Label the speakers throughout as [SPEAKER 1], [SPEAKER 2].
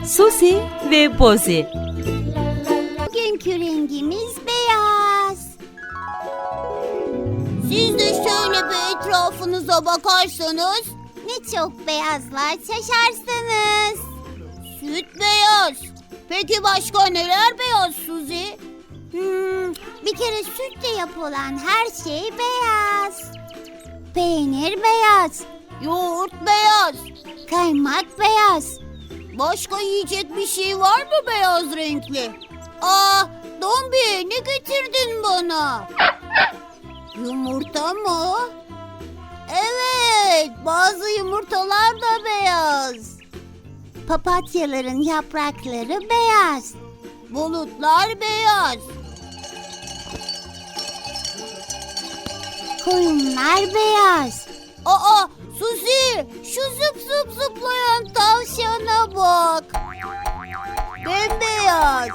[SPEAKER 1] Susi ve Bozi.
[SPEAKER 2] Bugünkü rengimiz beyaz. Siz de şöyle bir etrafınıza bakarsanız ne çok beyazlar şaşarsınız. Süt beyaz. Peki başka neler beyaz Suzi? Bir kere sütle yapılan her şey beyaz. Peynir beyaz. Yoğurt beyaz. Kaymak beyaz. Başka yiyecek bir şey var mı beyaz renkli? Dombi, ne getirdin bana? Yumurta mı? Evet, bazı yumurtalar da beyaz. Papatyaların yaprakları beyaz. Bulutlar beyaz. Koyunlar beyaz. Suzi, şu zıp zıp zıplayan tavşana bak. Bembeyaz.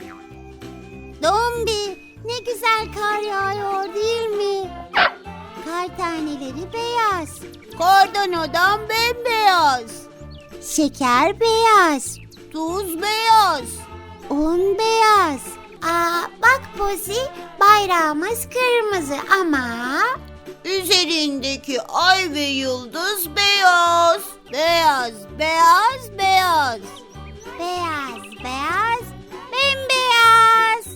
[SPEAKER 2] Dombi, ne güzel kar yağıyor değil mi? Kar taneleri beyaz. Kardan adam bembeyaz. Şeker beyaz. Tuz beyaz. Un beyaz. Bak Bozi, bayrağımız kırmızı ama üzerindeki ay ve yıldız beyaz. Beyaz, beyaz, beyaz. Beyaz, beyaz, bembeyaz.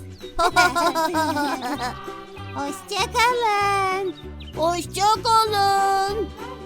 [SPEAKER 2] Hoşça kalın. Hoşça kalın.